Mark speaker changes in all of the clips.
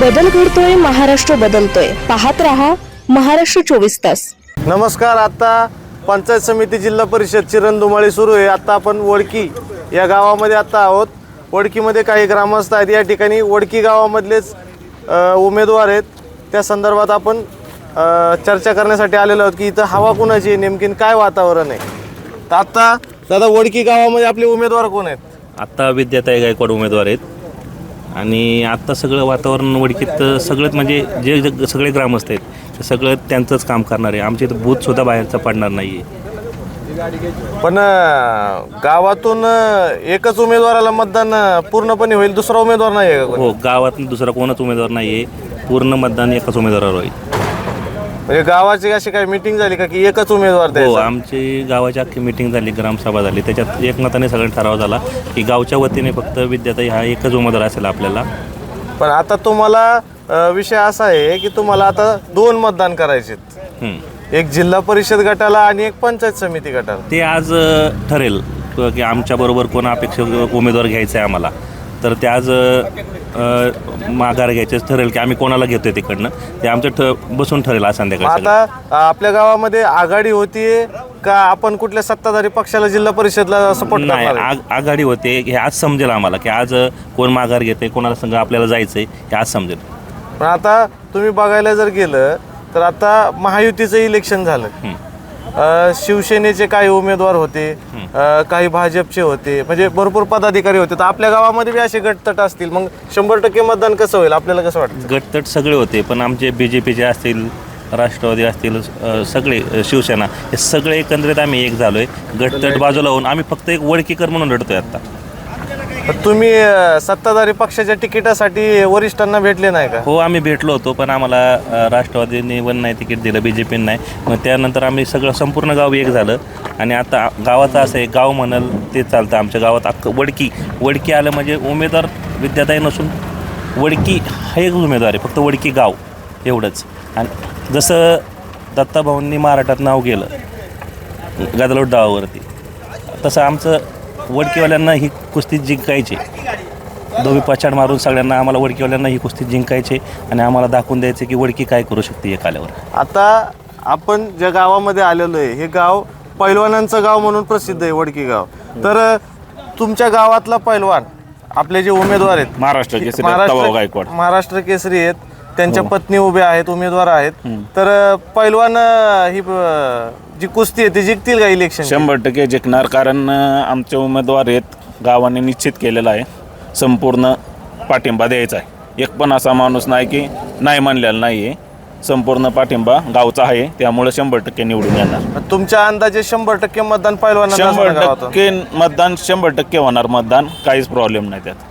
Speaker 1: बदल घडतोय, महाराष्ट्र बदलतोय. पाहत रहा महाराष्ट्र 24 तास.
Speaker 2: नमस्कार. आता पंचायत समिती जिल्हा परिषदची रणधुमाळी सुरू आहे. आता आपण वडकी या गावामध्ये आता आहोत. वडकीमध्ये काही ग्रामस्थ आहेत. या ठिकाणी वडकी गावामधलेच उमेदवार आहेत. त्या संदर्भात आपण चर्चा करण्यासाठी आलेलो आहोत की इथं हवा कुणाची आहे, नेमकी काय वातावरण आहे. तर आता दादा वडकी गावामध्ये आपले उमेदवार कोण आहेत?
Speaker 3: आत्ता विद्याताई गायकवाड उमेदवार आहेत आणि आत्ता सगळं वातावरण वडकीत सगळंच म्हणजे जे सगळे ग्रामस्थ आहेत ते सगळं त्यांचंच काम करणार आहे. आमच्या इथं बूथसुद्धा बाहेरचा पडणार नाही आहे.
Speaker 2: पण गावातून एकच उमेदवाराला मतदान पूर्णपणे होईल, दुसरा उमेदवार नाही आहे?
Speaker 3: हो, गावात दुसरा कोणच उमेदवार नाही आहे. पूर्ण मतदान एकाच उमेदवारावर होईल.
Speaker 2: म्हणजे गावाची अशी काही मीटिंग झाली का की एकच उमेदवार
Speaker 3: हो,
Speaker 2: द्यायचा?
Speaker 3: आमची गावाची अख्खी मीटिंग झाली, ग्रामसभा झाली. त्याच्यात एकमताने सगळं ठराव झाला की गावच्या वतीने फक्त विद्याताई हा एकच उमेदवार असेल आपल्याला.
Speaker 2: पण आता तुम्हाला विषय असा आहे की तुम्हाला आता दोन मतदान करायचे, एक जिल्हा परिषद गटाला आणि एक पंचायत समिती गटाला.
Speaker 3: ते आज ठरेल की आमच्याबरोबर कोण अपेक्षित उमेदवार घ्यायचं आहे आम्हाला. तर ते आज माघार घ्यायचंच ठरेल की आम्ही कोणाला घेतोय तिकडनं. ते आमचं बसून ठरेल आज संध्याकाळी.
Speaker 2: आता आपल्या गावामध्ये आघाडी होतीये का आपण कुठल्या सत्ताधारी पक्षाला जिल्हा परिषदला सपोर्ट
Speaker 3: नाही,
Speaker 2: करणार?
Speaker 3: आघाडी होते हे आज समजेल आम्हाला की आज कोण माघार घेते, कोणाला संघ आपल्याला जायचंय हे आज समजेल.
Speaker 2: पण आता तुम्ही बघायला जर गेलं तर आता महायुतीचं इलेक्शन झालं. शिवसेनेचे काही उमेदवार होते, काही भाजपचे होते, म्हणजे भरपूर पदाधिकारी होते. तर आपल्या गावामध्ये बी असे गटतट असतील, मग 100% मतदान कसं होईल आपल्याला कसं वाटतं?
Speaker 3: गटतट सगळे होते, पण आमचे BJPचे असतील, राष्ट्रवादी असतील, सगळे शिवसेना हे सगळे एकंदरीत आम्ही एक झालोय. गटतट बाजूला होऊन आम्ही फक्त एक वडकीकर म्हणून लढतोय आता.
Speaker 2: तुम्ही सत्ताधारी पक्षाच्या तिकिटासाठी वरिष्ठांना भेटले नाही का?
Speaker 3: हो, आम्ही भेटलो होतो, पण आम्हाला राष्ट्रवादीने पण नाही तिकीट दिलं, BJPने नाही. मग त्यानंतर आम्ही सगळं संपूर्ण गाव एक झालं आणि आता गावाचं असं आहे, गाव म्हणाल ते चालतं. आमच्या गावात अख्खं वडकी आलं म्हणजे उमेदवार विद्याताई नसून वडकी हा एक उमेदवार आहे, फक्त वडकी गाव एवढंच. आणि जसं दत्ताभाऊंनी महाराष्ट्रात नाव गेलं गदलोट डावावरती, तसं आमचं वडकीवाल्यांना ही कुस्ती जिंकायची. दोघी पछाड मारून सगळ्यांना आम्हाला वडकीवाल्यांना ही कुस्ती जिंकायची आणि आम्हाला दाखवून द्यायचे की वडकी काय करू शकते एक आल्यावर.
Speaker 2: आता आपण ज्या गावामध्ये आलेलो आहे हे गाव पैलवानांचं गाव म्हणून प्रसिद्ध आहे, वडकी गाव. तर तुमच्या गावातला पैलवान आपले जे उमेदवार आहेत
Speaker 3: महाराष्ट्र गायकवाड
Speaker 2: महाराष्ट्र केसरी आहेत, त्यांच्या पत्नी उभ्या आहेत, उमेदवार आहेत. तर पैलवान ही जी कुस्ती आहे ती जिंकतील का इलेक्शन?
Speaker 4: 100% जिंकणार, कारण आमचे उमेदवार आहेत, गावाने निश्चित केलेला आहे, संपूर्ण पाठिंबा द्यायचा आहे. एक पण असा माणूस नाही की नाही म्हणलेला नाही आहे. संपूर्ण पाठिंबा गावचा आहे, त्यामुळे 100% निवडून येणार.
Speaker 2: तुमच्या अंदाजे 100% मतदान पैलवानांना?
Speaker 4: 100% मतदान, 100% होणार मतदान, काहीच प्रॉब्लेम नाही त्यात.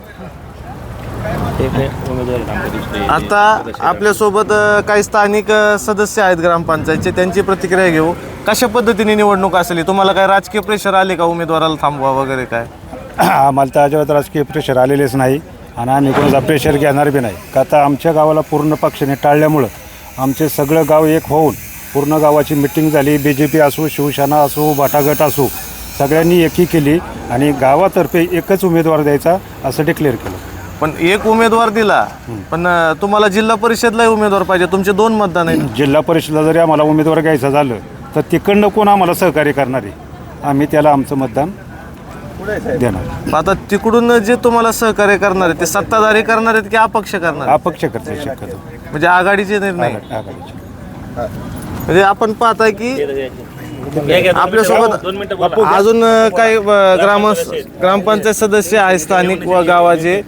Speaker 2: आता आपल्यासोबत काही स्थानिक सदस्य आहेत ग्रामपंचायतचे, त्यांची प्रतिक्रिया घेऊ. कशा पद्धतीने निवडणूक असेल? तुम्हाला काय राजकीय प्रेशर आले का उमेदवाराला थांबवा वगैरे काय?
Speaker 5: आम्हाला तर अजिबात राजकीय प्रेशर आलेलेच नाही आणि आम्ही कोणाचा प्रेशर घेणार बी नाही. का आता आमच्या गावाला पूर्ण पक्षाने टाळल्यामुळं आमचे सगळं गाव एक होऊन पूर्ण गावाची मिटिंग झाली. BJP असो, शिवसेना असो, भाटागट असो, सगळ्यांनी एकी केली आणि गावातर्फे एकच उमेदवार द्यायचा असं डिक्लेअर केलं.
Speaker 2: पण एक उमेदवार दिला, पण तुम्हाला जिल्हा परिषदला उमेदवार पाहिजे. तुमचे 2 मतदान आहेत.
Speaker 5: जिल्हा परिषदला जरी आम्हाला उमेदवार घ्यायचं झालं तर तिकडनं कोण आम्हाला सहकार्य करणार आहे? आम्ही त्याला आमचं मतदान देणार.
Speaker 2: आता तिकडून जे तुम्हाला सहकार्य करणार आहेत ते सत्ताधारी करणार आहेत की अपक्ष करणार?
Speaker 5: अपक्ष करते शक्यतो,
Speaker 2: म्हणजे आघाडीचे निर्णय.
Speaker 5: आघाडीचे.
Speaker 2: म्हणजे आपण पाहताय की आपल्यासोबत अजून काही ग्रामपंचायत सदस्य आहेत स्थानिक व गावाचे,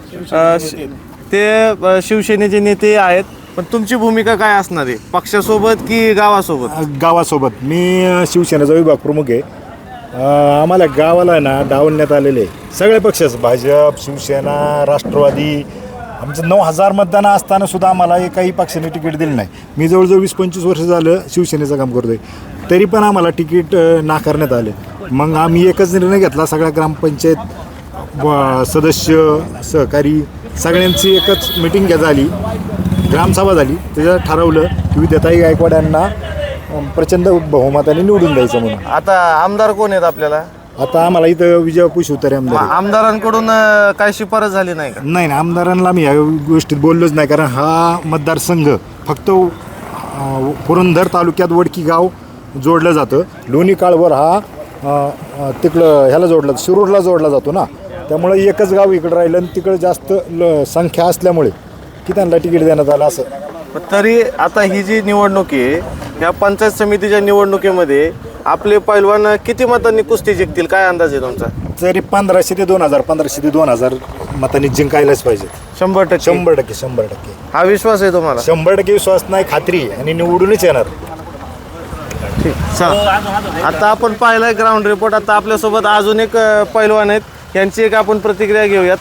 Speaker 2: ते शिवसेनेचे नेते आहेत. पण तुमची भूमिका काय असणार आहे, पक्षासोबत की गावासोबत?
Speaker 6: गावासोबत. मी शिवसेनेचा विभाग प्रमुख आहे. आम्हाला गावाला ना डावलण्यात आलेले आहे सगळे पक्षच, भाजप, शिवसेना, राष्ट्रवादी. आमचं 9,000 मतदान असताना सुद्धा आम्हाला एकाही पक्षाने तिकीट दिलं नाही. मी जवळजवळ 20-25 वर्ष झालं शिवसेनेचं काम करतोय, तरी पण आम्हाला तिकीट नाकारण्यात आले. मग आम्ही एकच निर्णय घेतला, सगळ्या ग्रामपंचायत सदस्य, सहकारी सगळ्यांची एकच मिटिंग झाली, ग्रामसभा झाली. त्याच्यात ठरवलं की विद्याताई गायकवाड यांना प्रचंड बहुमताने निवडून द्यायचं म्हणून.
Speaker 2: आता आमदार कोण आहेत आपल्याला?
Speaker 6: आता आम्हाला इथं विजयपूर शिवतारे आमदार आहे.
Speaker 2: आमदारांकडून काय शिफारस झाली नाही का?
Speaker 6: नाही ना, आमदारांना मी या गोष्टीत बोललोच नाही, कारण हा मतदारसंघ फक्त पुरंदर तालुक्यात वडकी गाव जोडलं जातं. लोणी काळभोर हा तिकडं ह्याला जोडला, शिरूरला जोडला जातो ना, त्यामुळे एकच गाव इकडं राहिलं आणि तिकडं जास्त संख्या असल्यामुळे की त्यांना तिकीट देण्यात आलं असं.
Speaker 2: तरी आता ही जी निवडणूक आहे या पंचायत समितीच्या निवडणुकीमध्ये आपले पैलवान किती मतांनी कुस्ती जिंकतील, काय अंदाज आहे तुमचा?
Speaker 6: तरी 1500 ते 2000, 1500 ते 2000 मतांनी जिंकायलाच पाहिजे.
Speaker 2: 100%.
Speaker 6: 100%.
Speaker 2: हा विश्वास आहे तुम्हाला?
Speaker 6: 100% विश्वास नाही, खात्री आहे आणि निवडूनच येणार.
Speaker 2: चला, आता आपण पाहिलाय ग्राउंड रिपोर्ट. आता आपल्यासोबत अजून एक पैलवान आहेत, यांची एक आपण प्रतिक्रिया घेऊयात.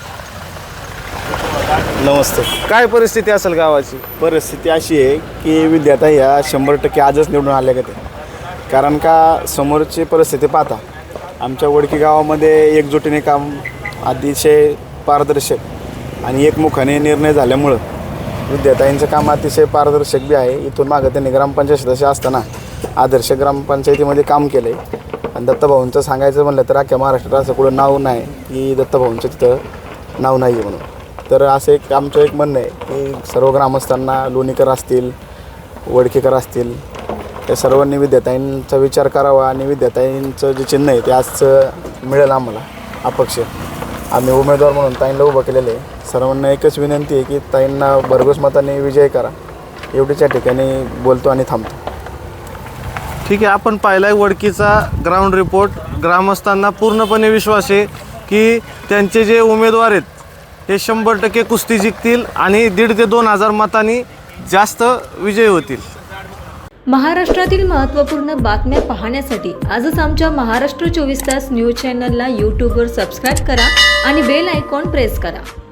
Speaker 7: नमस्ते.
Speaker 2: काय परिस्थिती असेल गावाची?
Speaker 7: परिस्थिती अशी आहे की विद्यार्थी ह्या 100% आजच निवडून आल्या का ते, कारण का समोरची परिस्थिती पाहता आमच्या वडकी गावामध्ये एकजुटीने काम अतिशय पारदर्शक आणि एकमुखाने निर्णय झाल्यामुळं विद्यार्थ्यांचं काम अतिशय पारदर्शक बी आहे. इथून मागं त्यांनी ग्रामपंचायत सदस्य असताना आदर्श ग्रामपंचायतीमध्ये काम केलं आहे. आणि दत्तभाऊंचं सांगायचं म्हणलं तर अख्ख्या महाराष्ट्रात असं कुठं नाव नाही की दत्तभाऊंचं तिथं नाव नाही आहे म्हणून. तर असं एक आमचं एक म्हणणं आहे की सर्व ग्रामस्थांना, लोणीकर असतील, वडकेकर असतील, त्या सर्वांनी विद्याताईंचा विचार करावा आणि विद्याताईंचं जे चिन्ह आहे ते आजचं मिळेल आम्हाला अपक्ष. आम्ही उमेदवार म्हणून ताईंना उभं केलेलं आहे. सर्वांना एकच विनंती आहे की ताईंना भरघोस मताने विजय करा. एवढीच या ठिकाणी बोलतो आणि थांबतो.
Speaker 2: ठीक आहे, आपण पाहिलाय वडकीचा ग्राउंड रिपोर्ट. ग्रामस्थांना पूर्णपणे विश्वास आहे की त्यांचे जे उमेदवार आहेत ते 100% कुस्ती जिंकतील आणि 1,500 ते 2,000 मतांनी जास्त विजयी होतील.
Speaker 8: महाराष्ट्रातील महत्त्वपूर्ण बातम्या पाहण्यासाठी आजच आमच्या महाराष्ट्र 24 तास न्यूज चॅनलला यूट्यूबवर सबस्क्राईब करा आणि बेल आयकॉन प्रेस करा.